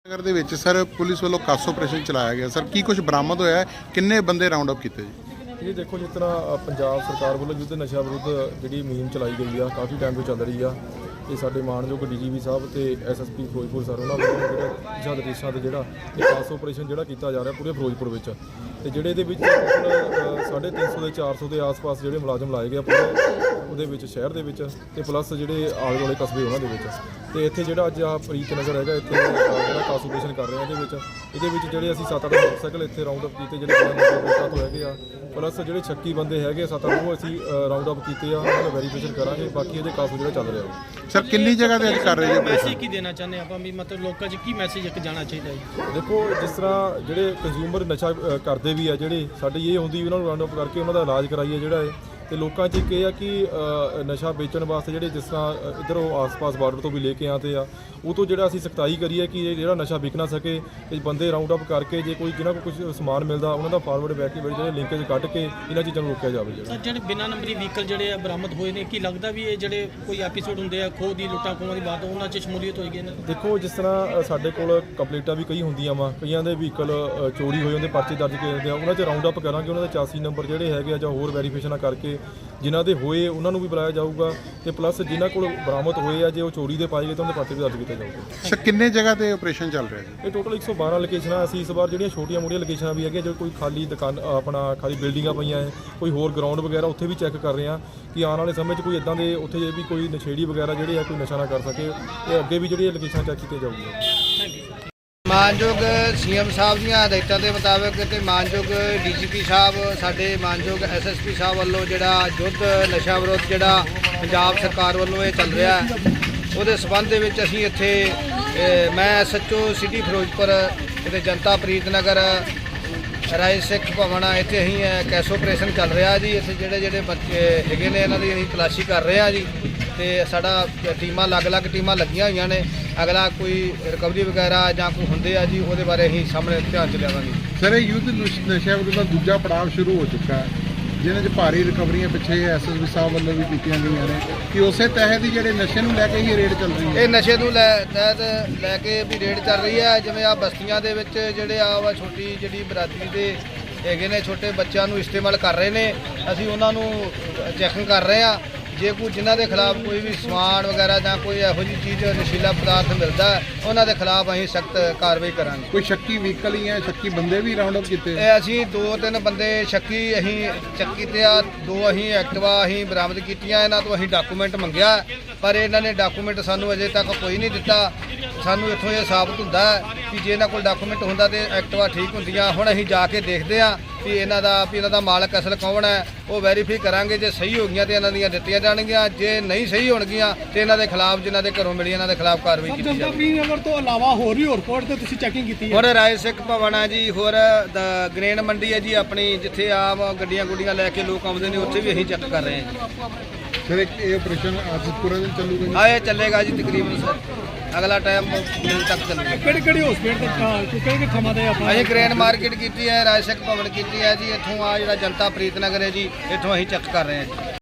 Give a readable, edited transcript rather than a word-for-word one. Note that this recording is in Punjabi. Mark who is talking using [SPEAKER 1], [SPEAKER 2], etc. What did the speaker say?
[SPEAKER 1] नगर ਦੇ ਵਿੱਚ ਸਰ ਪੁਲਿਸ ਵੱਲੋਂ ਕਾਸ ਆਪਰੇਸ਼ਨ ਚਲਾਇਆ ਗਿਆ ਸਰ ਕੀ ਕੁਝ ਬਰਾਮਦ ਹੋਇਆ ਹੈ ਕਿੰਨੇ ਬੰਦੇ ਰਾਉਂਡ ਅਪ ਕੀਤੇ ਜੀ
[SPEAKER 2] ਇਹ ਦੇਖੋ ਜਿਸ ਤਰ੍ਹਾਂ ਪੰਜਾਬ ਸਰਕਾਰ ਵੱਲੋਂ ਯੁੱਧ ਨਸ਼ਾ ਵਿਰੁੱਧ ਜਿਹੜੀ ਮੁਹਿੰਮ ਚਲਾਈ ਗਈ ਆ ਕਾਫੀ ਟਾਈਮ ਤੋਂ ਚੱਲ ਰਹੀ ਆ। ਇਹ ਸਾਡੇ ਮਾਣਯੋਗ ਡੀਜੀਪੀ ਸਾਹਿਬ ਤੇ ਐਸਐਸਪੀ ਫਿਰੋਜ਼ਪੁਰ ਸਰ ਉਹਨਾਂ ਵੱਲੋਂ ਜਿਹੜਾ ਜਦ ਦੇਸ਼ਾਂ ਤੇ ਜਿਹੜਾ ਇਹ ਕਾਸ ਆਪਰੇਸ਼ਨ ਜਿਹੜਾ ਕੀਤਾ ਜਾ ਰਿਹਾ ਪੂਰੇ ਫਿਰੋਜ਼ਪੁਰ ਵਿੱਚ ਤੇ ਜਿਹੜੇ ਇਹਦੇ ਵਿੱਚ 350 ਦੇ 400 ਦੇ ਆਸ-ਪਾਸ ਜਿਹੜੇ ਮੁਲਾਜ਼ਮ ਲਾਏ ਗਏ ਪੂਰੇ ਉਹਦੇ ਵਿੱਚ ਸ਼ਹਿਰ ਦੇ ਵਿੱਚ ਤੇ ਪਲੱਸ ਜਿਹੜੇ ਆਲੇ ਦੁਆਲੇ ਕਸਬੇ ਉਹਨਾਂ ਦੇ ਵਿੱਚ ਤੇ ਇੱਥੇ ਜਿਹੜਾ ਅੱਜ ਆ ਪ੍ਰੀਤ ਨਗਰ ਹੈਗਾ ਇੱਥੇ ਜਿਹੜਾ ਕਾਸ ਆਪਰੇਸ਼ਨ ਕਰ ਰਹੇ ਆ ਇਹਦੇ ਵਿੱਚ ਜਿਹੜੇ ਅਸੀਂ 7-8 ਮੋਟਰਸਾਈਕਲ ਇੱਥੇ ਰਾਉਂਡ ਅਪ ਕੀਤੇ ਜਿਹੜੇ ਨੰਬਰ ਤੋਂ ਹੈਗੇ ਆ ਪਲੱਸ ਜਿਹੜੇ 36 ਬੰਦੇ ਹੈਗੇ 7-8 ਉਹ ਅਸੀਂ ਰਾਉਂਡ ਅਪ ਕੀਤੇ ਆ ਉਹਨਾਂ ਦਾ ਵੈਰੀਫਿਕੇਸ਼ਨ ਕਰਾਂਗੇ। ਬਾਕੀ ਇਹਦੇ ਕਾਸ ਜਿਹੜਾ ਚੱਲ ਰਿਹਾ
[SPEAKER 1] ਸਰ ਕਿੰਨੀ ਜਗ੍ਹਾ ਤੇ ਅੱਜ ਕਰ ਰਹੇ ਜੀ
[SPEAKER 3] ਮੈਸੇਜ ਕੀ ਦੇਣਾ ਚਾਹੁੰਦੇ ਆਪਾਂ ਵੀ ਮਤਲਬ ਲੋਕਾਂ 'ਚ ਕੀ ਮੈਸੇਜ ਇੱਕ ਜਾਣਾ ਚਾਹੀਦਾ ਜੀ?
[SPEAKER 2] ਦੇਖੋ ਜਿਸ ਤਰ੍ਹਾਂ ਜਿਹੜੇ ਕੰਜ਼ਿਊਮਰ ਨਸ਼ਾ ਕਰਦੇ ਵੀ ਆ ਜਿਹੜੇ ਸਾਡੀ ਇਹ ਹੁੰਦੀ ਉਹਨਾਂ ਨੂੰ ਰਾਉਂਡ ਅਪ ਕਰਕੇ ਉਹਨਾਂ ਦਾ ਇਲਾਜ ਕਰਾਈਏ ਜਿਹੜਾ ਹੈ ਤੇ ਲੋਕਾਂ 'ਚ ਇੱਕ ਇਹ ਆ ਕਿ ਨਸ਼ਾ ਵੇਚਣ ਵਾਸਤੇ ਜਿਹੜੇ ਜਿਸ ਤਰ੍ਹਾਂ ਇੱਧਰੋਂ ਆਸ-ਪਾਸ ਬਾਰਡਰ ਤੋਂ ਵੀ ਲੈ ਕੇ ਆਉਂਦੇ ਆ ਉਹ ਤੋਂ ਜਿਹੜਾ ਅਸੀਂ ਸਖਤਾਈ ਕਰੀਏ ਕਿ ਇਹ ਜਿਹੜਾ ਨਸ਼ਾ ਵਿਕ ਨਾ ਸਕੇ ਤੇ ਬੰਦੇ ਰਾਉਂਡ ਅਪ ਕਰਕੇ ਜੇ ਕੋਈ ਜਿਹਨਾਂ ਕੋਲ ਕੁਝ ਸਮਾਨ ਮਿਲਦਾ ਉਹਨਾਂ ਦਾ ਫਾਰਵਰਡ ਬੈਕ ਜਿਹੜੇ ਲਿੰਕੇਜ ਕੱਢ ਕੇ ਇਹਨਾਂ ਚੀਜ਼ਾਂ ਨੂੰ ਰੋਕਿਆ ਜਾਵੇ। ਜਿਹੜਾ
[SPEAKER 3] ਜਿਹੜੇ ਬਿਨਾਂ ਨੰਬਰੀ ਵਹੀਕਲ ਜਿਹੜੇ ਆ ਬਰਾਮਦ ਹੋਏ ਨੇ ਕੀ ਲੱਗਦਾ ਵੀ ਇਹ ਜਿਹੜੇ ਕੋਈ ਐਪੀਸੋਡ ਹੁੰਦੇ ਆ ਖੋਹ ਦੀ ਲੁੱਟਾਂ ਖੋਹਾਂ ਦੀ ਬਾਤ ਉਹਨਾਂ 'ਚ ਸ਼ਮੂਲੀਅਤ ਹੋਏਗੀ ਇਹਨਾਂ ਦੀ?
[SPEAKER 2] ਦੇਖੋ ਜਿਸ ਤਰ੍ਹਾਂ ਸਾਡੇ ਕੋਲ ਕੰਪਲੀਟਾਂ ਵੀ ਕਈ ਹੁੰਦੀਆਂ ਵਾ ਕਈਆਂ ਦੇ ਵਹੀਕਲ ਚੋਰੀ ਹੋਏ ਹੁੰਦੇ ਪਰਚੇ ਦਰਜ ਕੀਤੇ ਹੁੰਦੇ ਆ ਉਹਨਾਂ 'ਚ ਰਾਉਂਡ ਅਪ ਕਰਾਂਗੇ ਉਹਨਾਂ ਦੇ 84 ਨੰਬਰ ਜਿਹੜੇ ਹੈਗੇ ਆ ਜਾਂ ਹੋਰ ਵੈਰੀਫਿਕੇਸ਼ਨਾਂ ਕਰਕੇ ਜਿਨ੍ਹਾਂ ਦੇ ਹੋਏ ਉਹਨਾਂ ਨੂੰ ਵੀ ਬੁਲਾਇਆ ਜਾਊਗਾ ਤੇ ਪਲੱਸ ਜਿਨ੍ਹਾਂ ਕੋਲ ਬਰਾਮਦ ਹੋਏ ਆ ਜੇ ਉਹ ਚੋਰੀ ਦੇ ਪਾਏ ਗਏ ਤਾਂ ਉਹਦੇ ਪਰਚੇ ਵੀ ਦਰਜ ਕੀਤੇ ਜਾਊਗੇ।
[SPEAKER 1] ਸਰ ਕਿੰਨੇ ਜਗ੍ਹਾ ਤੇ ਆਪਰੇਸ਼ਨ ਚੱਲ ਰਿਹਾ ਜੀ?
[SPEAKER 2] ਇਹ ਟੋਟਲ 112 ਲੋਕੇਸ਼ਨਾਂ ਅਸੀਂ ਇਸ ਵਾਰ ਜਿਹੜੀਆਂ ਛੋਟੀਆਂ ਮੋਟੀਆਂ ਲੋਕੇਸ਼ਨਾਂ ਵੀ ਹੈਗੀਆਂ ਜੋ ਕੋਈ ਖਾਲੀ ਦੁਕਾਨ ਆਪਣਾ ਖਾਲੀ ਬਿਲਡਿੰਗਾਂ ਪਈਆਂ ਹੈ ਕੋਈ ਹੋਰ ਗਰਾਊਂਡ ਵਗੈਰਾ ਉੱਥੇ ਵੀ ਚੈੱਕ ਕਰ ਰਹੇ ਆ ਕਿ ਆਉਣ ਵਾਲੇ ਸਮੇਂ 'ਚ ਕੋਈ ਇਦਾਂ ਦੇ ਉੱਥੇ ਜੇ ਵੀ ਕੋਈ ਨਸ਼ੇੜੀ ਵਗੈਰਾ ਜਿਹੜੇ ਆ ਕੋਈ ਨਸ਼ਾ ਨਾ ਕਰ ਸਕੇ ਇਹ ਅੱਗੇ ਵੀ ਜਿਹੜੀਆਂ ਲੋਕੇਸ਼ਨਾਂ ਚੈੱਕ ਕੀਤੀਆਂ ਜਾਊਗੀਆਂ।
[SPEAKER 4] ਮਾਨਯੋਗ ਸੀਐਮ ਸਾਹਿਬ ਦੀਆਂ ਹਦਾਇਤਾਂ ਦੇ ਮੁਤਾਬਕ ਤੇ ਮਾਨਯੋਗ ਡੀਜੀਪੀ ਸਾਹਿਬ ਸਾਡੇ ਮਾਨਯੋਗ ਐਸਐਸਪੀ ਸਾਹਿਬ ਵੱਲੋਂ ਜਿਹੜਾ ਯੁੱਧ ਨਸ਼ਾ ਵਿਰੁੱਧ ਜਿਹੜਾ ਪੰਜਾਬ ਸਰਕਾਰ ਵੱਲੋਂ ਇਹ ਚੱਲ ਰਿਹਾ ਉਹਦੇ ਸਬੰਧ ਦੇ ਵਿੱਚ ਅਸੀਂ ਇੱਥੇ ਮੈਂ ਐਸਐਚਓ ਸਿਟੀ ਫਿਰੋਜ਼ਪੁਰ ਅਤੇ ਜਨਤਾ ਪ੍ਰੀਤ ਨਗਰ ਰਾਏ ਸਿੱਖ ਭਵਨ ਇੱਥੇ ਅਸੀਂ ਕੈਸ ਆਪਰੇਸ਼ਨ ਚੱਲ ਰਿਹਾ ਜੀ। ਇੱਥੇ ਜਿਹੜੇ ਬੱਚੇ ਹੈਗੇ ਨੇ ਇਹਨਾਂ ਦੀ ਅਸੀਂ ਤਲਾਸ਼ੀ ਕਰ ਰਹੇ ਹਾਂ ਜੀ ਤੇ ਸਾਡਾ ਟੀਮਾਂ ਅਲੱਗ-ਅਲੱਗ ਟੀਮਾਂ ਲੱਗੀਆਂ ਹੋਈਆਂ ਨੇ। ਅਗਲਾ ਕੋਈ ਰਿਕਵਰੀ ਵਗੈਰਾ ਜਾਂ ਕੋਈ ਹੁੰਦੇ ਆ ਜੀ ਉਹਦੇ ਬਾਰੇ ਅਸੀਂ ਸਾਹਮਣੇ ਧਿਆਨ 'ਚ ਲਿਆਵਾਂਗੇ।
[SPEAKER 1] ਸਰ ਇਹ ਯੁੱਧ ਨਸ਼ਾ ਵਿਰੁੱਧ ਦਾ ਦੂਜਾ ਪੜਾਅ ਸ਼ੁਰੂ ਹੋ ਚੁੱਕਾ ਹੈ ਜਿਹਨਾਂ 'ਚ ਭਾਰੀ ਰਿਕਵਰੀਆਂ ਪਿੱਛੇ ਐਸਐਸਪੀ ਸਾਹਿਬ ਵੱਲੋਂ ਵੀ ਕੀਤੀਆਂ ਗਈਆਂ ਨੇ ਕਿ ਉਸੇ ਤਹਿਤ ਹੀ ਜਿਹੜੇ ਨਸ਼ੇ ਨੂੰ ਲੈ ਕੇ ਹੀ ਰੇਡ ਚੱਲ ਰਹੀ ਹੈ।
[SPEAKER 4] ਇਹ ਨਸ਼ੇ ਨੂੰ ਤਹਿਤ ਲੈ ਕੇ ਵੀ ਰੇਡ ਚੱਲ ਰਹੀ ਹੈ। ਜਿਵੇਂ ਆ ਬਸਤੀਆਂ ਦੇ ਵਿੱਚ ਜਿਹੜੇ ਆ ਵਾ ਛੋਟੀ ਜਿਹੜੀ ਬਰਾਦਰੀ ਦੇ ਹੈਗੇ ਨੇ ਛੋਟੇ ਬੱਚਿਆਂ ਨੂੰ ਇਸਤੇਮਾਲ ਕਰ ਰਹੇ ਨੇ ਅਸੀਂ ਉਹਨਾਂ ਨੂੰ ਚੈਕਿੰਗ ਕਰ ਰਹੇ ਹਾਂ। ਜੇ ਕੋਈ ਜਿਨ੍ਹਾਂ ਦੇ ਖਿਲਾਫ ਕੋਈ ਵੀ ਸਮਾਨ ਵਗੈਰਾ ਜਾਂ ਕੋਈ ਇਹੋ ਜਿਹੀ ਚੀਜ਼ ਨਸ਼ੀਲਾ ਪਦਾਰਥ ਮਿਲਦਾ ਉਹਨਾਂ ਦੇ ਖਿਲਾਫ ਅਸੀਂ ਸਖਤ ਕਾਰਵਾਈ ਕਰਾਂਗੇ।
[SPEAKER 1] ਕੋਈ ਸ਼ੱਕੀ ਵਹੀਕਲ ਹੀ ਹੈ ਸ਼ੱਕੀ ਬੰਦੇ ਵੀ ਰਾਉਂਡ ਅਪ ਕੀਤੇ?
[SPEAKER 4] ਇਹ ਅਸੀਂ 2-3 ਬੰਦੇ ਸ਼ੱਕੀ ਅਸੀਂ ਚੱਕ ਕੀਤੇ ਆ। 2 ਅਸੀਂ ਐਕਟਿਵਾ ਅਸੀਂ ਬਰਾਮਦ ਕੀਤੀਆਂ। ਇਹਨਾਂ ਤੋਂ ਅਸੀਂ ਡਾਕੂਮੈਂਟ ਮੰਗਿਆ ਪਰ ਇਹਨਾਂ ਨੇ ਡਾਕੂਮੈਂਟ ਸਾਨੂੰ ਅਜੇ ਤੱਕ ਕੋਈ ਨਹੀਂ ਦਿੱਤਾ। ਸਾਨੂੰ ਇੱਥੋਂ ਇਹ ਸਾਬਤ ਹੁੰਦਾ ਕਿ ਜੇ ਇਹਨਾਂ ਕੋਲ ਡਾਕੂਮੈਂਟ ਹੁੰਦਾ ਤੇ ਐਕਟਿਵਾ ਠੀਕ ਹੁੰਦੀਆਂ। ਹੁਣ ਅਸੀਂ ਜਾ ਕੇ ਦੇਖਦੇ ਹਾਂ ਵੀ ਇਹਨਾਂ ਦਾ ਮਾਲਕ ਅਸਲ ਕੌਣ ਹੈ ਉਹ ਵੈਰੀਫਾਈ ਕਰਾਂਗੇ। ਜੇ ਸਹੀ ਹੋ ਗਈਆਂ ਤੇ ਇਹਨਾਂ ਦੀਆਂ ਦਿੱਤੀਆਂ ਜਾਣਗੀਆਂ ਜੇ ਨਹੀਂ ਸਹੀ ਹੋਣਗੀਆਂ ਤੇ ਇਹਨਾਂ ਦੇ ਖਿਲਾਫ ਜਿਨ੍ਹਾਂ ਦੇ ਘਰੋਂ ਮਿਲੀ ਇਹਨਾਂ ਦੇ ਖਿਲਾਫ ਕਾਰਵਾਈ ਕੀਤੀ ਜਾਵੇਗੀ।
[SPEAKER 3] ਨਗਰ ਤੋਂ ਇਲਾਵਾ ਹੋਰ ਵੀ ਰਿਪੋਰਟ ਤੇ ਤੁਸੀਂ ਚੈਕਿੰਗ ਕੀਤੀ
[SPEAKER 4] ਹੋਰ ਰਾਏ ਸਿੱਖ ਭਵਨ ਹੈ ਜੀ ਹੋਰ ਗ੍ਰੇਨ ਮੰਡੀ ਹੈ ਜੀ ਆਪਣੀ ਜਿੱਥੇ ਆਮ ਗੱਡੀਆਂ ਲੈ ਕੇ ਲੋਕ ਆਉਂਦੇ ਨੇ ਉੱਥੇ ਵੀ ਅਸੀਂ ਚੈੱਕ ਕਰ ਰਹੇ ਹਾਂ ਜੀ।
[SPEAKER 1] ਸਰ ਇਹ ਆਪਰੇਸ਼ਨ ਅੱਜ ਪੂਰਾ ਦਿਨ ਚੱਲੂਗਾ?
[SPEAKER 4] ਹਾਂ ਇਹ ਚੱਲੇਗਾ ਜੀ ਤਕਰੀਬਨ ਸਰ ਅਗਲਾ ਟਾਈਮ ਮਿਲ ਤੱਕ ਚੱਲੇਗਾ।
[SPEAKER 3] ਕਿਹੜੇ ਹਸਪੀਟਲ ਤੇ ਕਿਹੜੇ ਥਾਵਾਂ ਤੇ ਆਪਣਾ
[SPEAKER 4] ਅਸੀਂ ਗ੍ਰੇਨ ਮਾਰਕੀਟ ਕੀਤੀ ਹੈ ਰਾਏ ਸਿੱਖ ਭਵਨ ਕੀਤੀ ਹੈ ਜੀ। ਇੱਥੋਂ ਆ ਜਿਹੜਾ ਜਨਤਾ ਪ੍ਰੀਤ ਨਗਰ ਹੈ ਜੀ ਇੱਥੋਂ ਅਸੀਂ ਚੈੱਕ ਕਰ ਰਹੇ ਹਾਂ ਜੀ।